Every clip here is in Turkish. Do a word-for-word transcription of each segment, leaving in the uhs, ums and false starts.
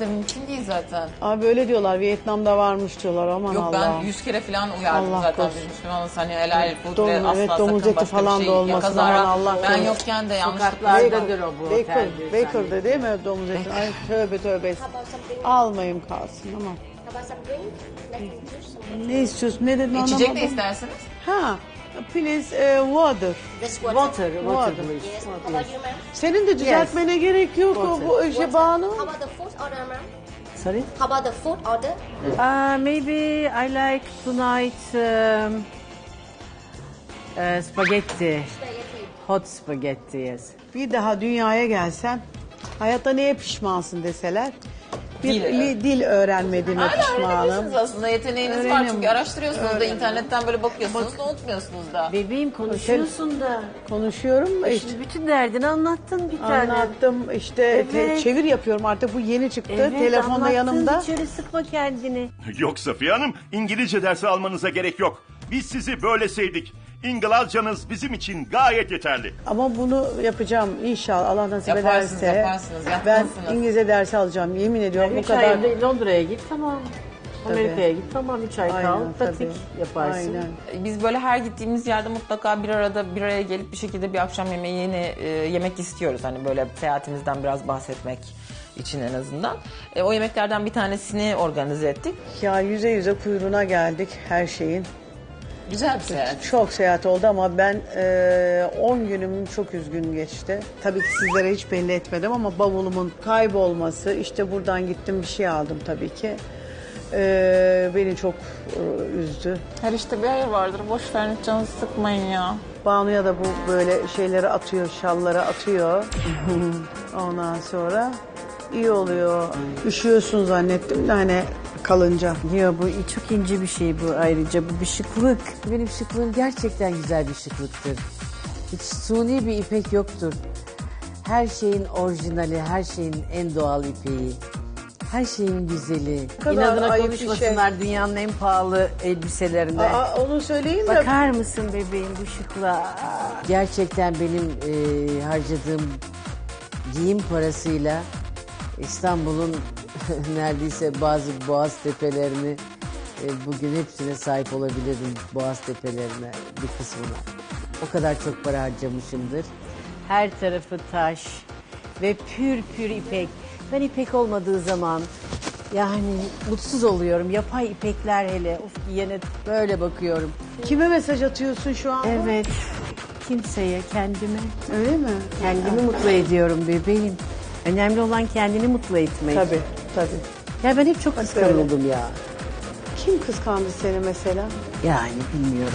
Türklerde mümkün değil zaten. Abi öyle diyorlar, Vietnam'da varmış diyorlar, aman Yok Allah. ben yüz kere falan uyardım Allah zaten korusun. biz Müslümanız. Hani helal food Domuz, ve asla evet, sakın domuz eti başka falan bir da şey olmasın, yakazara. aman Allah Ben korusun. yokken de yanlışlıkla. Sokaklardadır o bu Baker, otelde. Baker'da değil mi domuz eti? Ay tövbe tövbe. Almayayım kalsın ama. How about some drink? Like juice? Ne istiyorsun? Ne dedin İçecek de anlamadım. isterseniz. Ha, please uh, water. This water. Water, water Water. please. Yes. How about you, ma'am? Senin de düzeltmene gerek yok o Water. bu işe Banu. How about the food order, ma'am? Sorry? How about the food order? Uh, maybe I like tonight um, uh, spaghetti. Spaghetti. Hot spaghetti, yes. Bir daha dünyaya gelsen hayatta neye pişmansın deseler. Bir Dil, dil, evet. dil öğrenmediğime Hala pişmanım. öğrenebilirsiniz aslında. Yeteneğiniz var Öğrenim. çünkü araştırıyorsunuz da Öğrenim. internetten böyle bakıyorsunuz da unutmuyorsunuz da. Bebeğim konuşuyorsun da. Konuşuyorum da işte. Şimdi bütün derdini anlattın bir tane. Anlattım işte te- Evet. çevir yapıyorum artık, bu yeni çıktı. Evet, Telefonda anlattın, yanımda. hiç öyle sıkma kendini. Yok Safiye Hanım, İngilizce dersi almanıza gerek yok. Biz sizi böyle sevdik. İngilizcanız bizim için gayet yeterli. Ama bunu yapacağım inşallah, Allah nasip Yaparsınız, ederse. yaparsınız, Ben yapmalısınız. İngilizce dersi alacağım, yemin ediyorum bu Üç kadar. ay Londra'ya git tamam. Amerika'ya git tamam. Üç ay Aynen, kal. tabii. Pratik yaparsın. Aynen. Biz böyle her gittiğimiz yerde mutlaka bir arada bir araya gelip bir şekilde bir akşam yemeği yeni e, yemek istiyoruz. Hani böyle seyahatimizden biraz bahsetmek için en azından. E, o yemeklerden bir tanesini organize ettik. Ya yüze yüze kuyruğuna geldik her şeyin. Güzel bir seyahat. Çok seyahat oldu ama ben on günüm çok üzgün geçti. Tabii ki sizlere hiç belli etmedim ama bavulumun kaybolması, işte buradan gittim bir şey aldım tabii ki. E, beni çok e, üzdü. Her işte bir hayır vardır. Boş verin, canınızı sıkmayın ya. Banu'ya da bu böyle şeyleri atıyor, şalları atıyor. Ondan sonra iyi oluyor. Üşüyorsun zannettim de hani kalınca. Ya bu çok ince bir şey bu ayrıca. Bu bir şıklık. Benim şıklığım gerçekten güzel bir şıklıktır. Hiç suni bir ipek yoktur. Her şeyin orijinali, her şeyin en doğal ipeği. Her şeyin güzeli. kadar İnadına ayıp bir konuşmasınlar dünyanın en pahalı elbiselerinde. Aa, onu söyleyin de. Bakar mısın bebeğim bu şıklığa? Gerçekten benim e, harcadığım giyim parasıyla İstanbul'un neredeyse bazı boğaz tepelerini e, bugün hepsine sahip olabilirim. Boğaz tepelerine bir kısmına. O kadar çok para harcamışımdır. Her tarafı taş ve pür pür ipek. Ben ipek olmadığı zaman yani mutsuz oluyorum. Yapay ipekler hele. Of giyene böyle bakıyorum. Kime mesaj atıyorsun şu an? Evet. Kimseye, kendime. Öyle mi? Kendimi mutlu ediyorum bebeğim. Önemli olan kendini mutlu etmek. Tabii, tabii. Ya ben hep çok kıskanıldım ya. Kim kıskandı seni mesela? Yani bilmiyorum.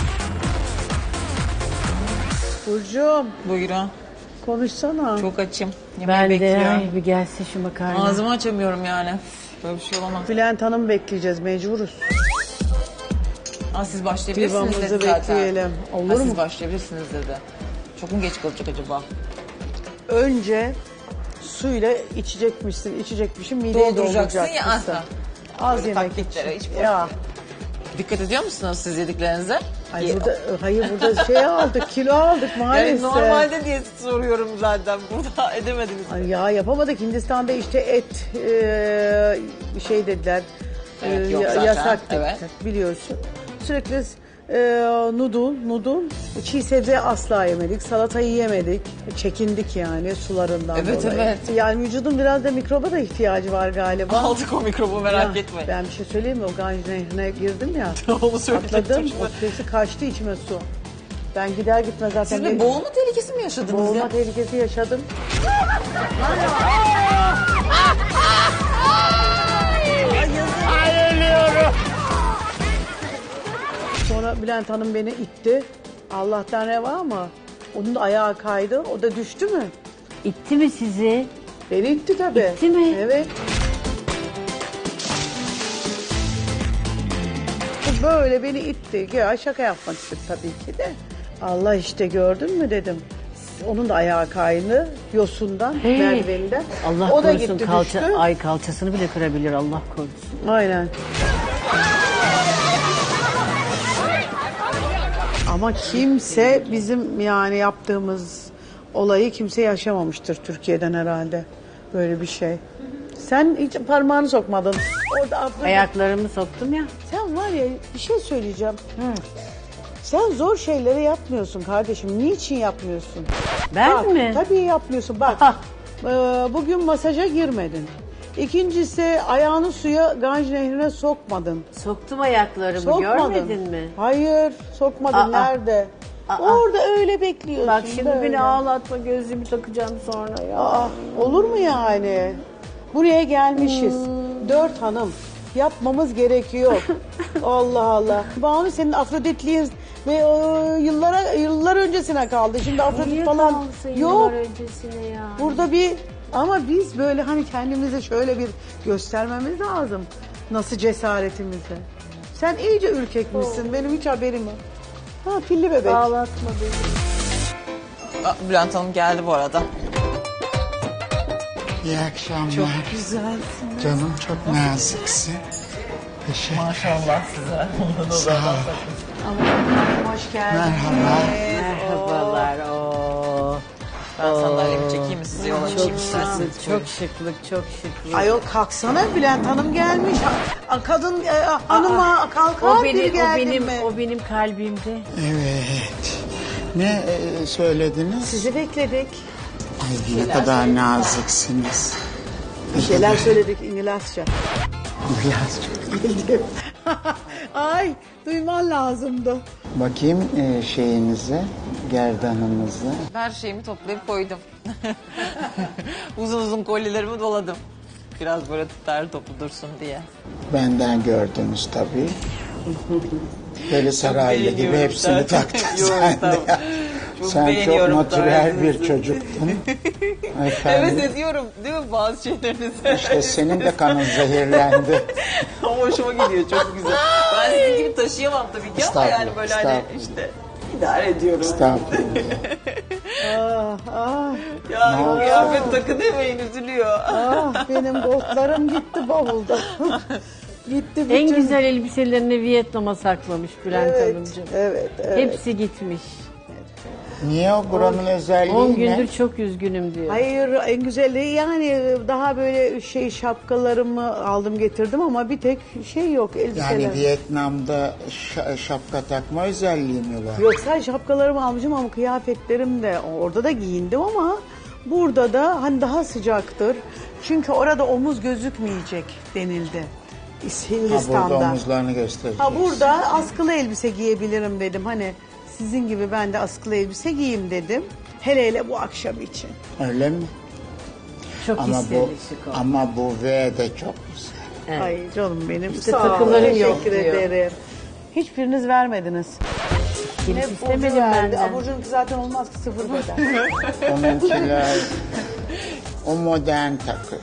Burcu'm Buyurun. konuşsana. Çok açım. Yemeği Ben de bekliyorum. ay bir gelse şu makarna. Ağzımı açamıyorum yani. Böyle bir şey olamaz. Bülent Hanım bekleyeceğiz, mecburuz. Aa, siz başlayabilirsiniz dedi Divamızı zaten. bekleyelim. Olur Ha, mu? Siz başlayabilirsiniz dedi. Çok mu geç kalacak acaba? Önce suyla içecekmişsin, içecekmişsin, mideyi Dolduracaksın dolduracakmışsın. ya, aha. Az Böyle yemek taktiklere için. hiç boş Ya. ver. Dikkat ediyor musunuz siz yediklerinize? Ay Ye- burada, hayır burada şey aldık, kilo aldık Yani maalesef. normalde diye soruyorum zaten. Burada edemediniz. Ay ya yapamadık. Hindistan'da işte et e, şey dediler. Evet, e, yok ya- zaten. yasak dediler, Evet. biliyorsun. Sürekli e, noodle, noodle, çiğ sebze asla yemedik. Salatayı yemedik. Çekindik yani sularından Evet, dolayı. evet. Yani vücudun biraz da mikroba da ihtiyacı var galiba. Aldık o mikrobu merak Ya, etmeyin. Ben bir şey söyleyeyim mi? O Ganj Nehri'ne girdim ya. Onu söyleyecektim Atladım. şimdi. O sesi kaçtı içime su. Ben gider gitmez zaten. Siz bir bir- boğulma tehlikesi mi yaşadınız boğulma ya? tehlikesi yaşadım. Sonra Bülent Hanım beni itti. Allah'tan reva ama onun da ayağı kaydı. O da düştü mü? İtti mi sizi? Beni itti tabii. İtti mi? Evet. Bu böyle beni itti. Ya şaka yapmak istedim tabii ki de. Allah işte gördün mü dedim. Onun da ayağı kaydı. Yosundan, Hey. merdiveninden. Allah o da korusun gitti kalça, düştü. ay kalçasını bile kırabilir Allah korusun. Aynen. Ama kimse bizim yani yaptığımız olayı kimse yaşamamıştır Türkiye'den herhalde. Böyle bir şey. Sen Sen hiç parmağını sokmadın. Orada Afrodit. Ayaklarımı soktum ya. Sen var ya bir şey söyleyeceğim. Sen zor şeyleri yapmıyorsun kardeşim. Niçin yapmıyorsun? Ben Bak, mi? Tabii yapmıyorsun. Bak Aha. e, bugün masaja girmedin. İkincisi ayağını suya Ganj Nehri'ne sokmadın. Soktum ayaklarımı, Sokmadın. görmedin mi? Hayır sokmadın. Aa. Nerede? Aa. Orada öyle bekliyorsun. Bak şimdi böyle. beni ağlatma, gözlüğümü takacağım sonra ya. Aa, olur mu yani? Buraya gelmişiz. Hmm. Dört hanım. Yapmamız gerekiyor. Allah Allah. Banu senin Afroditliğin ve o, yıllara yıllar öncesine kaldı. Şimdi Afrodit Niye falan kalsın yok. yıllar öncesine ya? Burada bir ama biz böyle hani kendimize şöyle bir göstermemiz lazım. Nasıl cesaretimizi. Sen iyice ürkekmişsin. Benim hiç haberim yok. Ha pilli bebek. Ağlatma beni. Aa, Bülent Hanım geldi bu arada. İyi akşamlar. Çok güzelsin. Canım çok naziksin. Teşekkür Maşallah size. Sağ ol. Hoş geldin. Merhaba. Merhabalar. Oo. Ben sandalyemi çekeyim mi size yol Çok açayım şıklık, isterseniz? çok şıklık, çok şıklık. Ayol kalksana Bülent Hanım gelmiş. Ha- Kadın e, hanıma kalkar O bir benim, o geldin benim, mi? o benim kalbimde. Evet. Ne e, söylediniz? Sizi bekledik. Ay, ne kadar naziksiniz. Bir şeyler söyledik İngilizce. Biraz çok. Ay duyman lazımdı. Bakayım e, şeyinize, gerdanınıza. Her şeyimi toplayıp koydum. uzun uzun kolyelerimi doladım. Biraz böyle tutar toplu dursun diye. Benden gördünüz tabii. Böyle saraylı gibi beğeniyorum hepsini zaten. taktın Yok, sen de. tamam. ya. Çok Sen çok beğeniyorum natürel bir tarzınızı. çocuktun. Evet Efendim, ediyorum değil mi bazı şeylerinizi? işte senin de kanın zehirlendi. Ama hoşuma gidiyor çok güzel. Ben sizin gibi taşıyamam tabii ki ama yani Estağfurullah, böyle hani estağfurullah. işte idare ediyorum. Estağfurullah. Ah ah Ya kıyafet takı demeyin üzülüyor. ah benim botlarım gitti bavulda. gitti bütün. En güzel elbiselerini Vietnam'a saklamış Bülent Evet, Hanımcığım. evet, evet. Hepsi gitmiş. Niye o buranın özelliği on ne? gündür çok üzgünüm diyor. Hayır en güzeli yani daha böyle şey şapkalarımı aldım getirdim ama bir tek şey yok elbiseler. Yani Vietnam'da şa- şapka takma özelliği mi var? Yok sadece şapkalarımı almışım ama kıyafetlerim de orada da giyindim ama burada da hani daha sıcaktır. Çünkü orada omuz gözükmeyecek denildi. Ha, Hindistan'da. burada omuzlarını göstereceğiz. Ha burada askılı elbise giyebilirim dedim. Hani sizin gibi ben de askılı elbise giyeyim dedim. Hele hele bu akşam için. Öyle mi? Çok Ama bu istemiş şık oldu. ama bu V de çok güzel. Evet. Ay canım benim. İşte Sağ ol, takılarım yok teşekkür diyor. ederim. Hiçbiriniz vermediniz. Kimse Hep Burcu istemedim verdi. benden. Aa, Burcu'nunki zaten olmaz ki sıfır beden. Onunkiler o modern takıyor.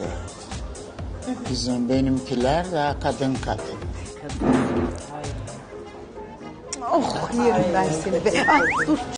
Bizim benimkiler daha kadın kadın. oh yerim ben seni be. Ah, dur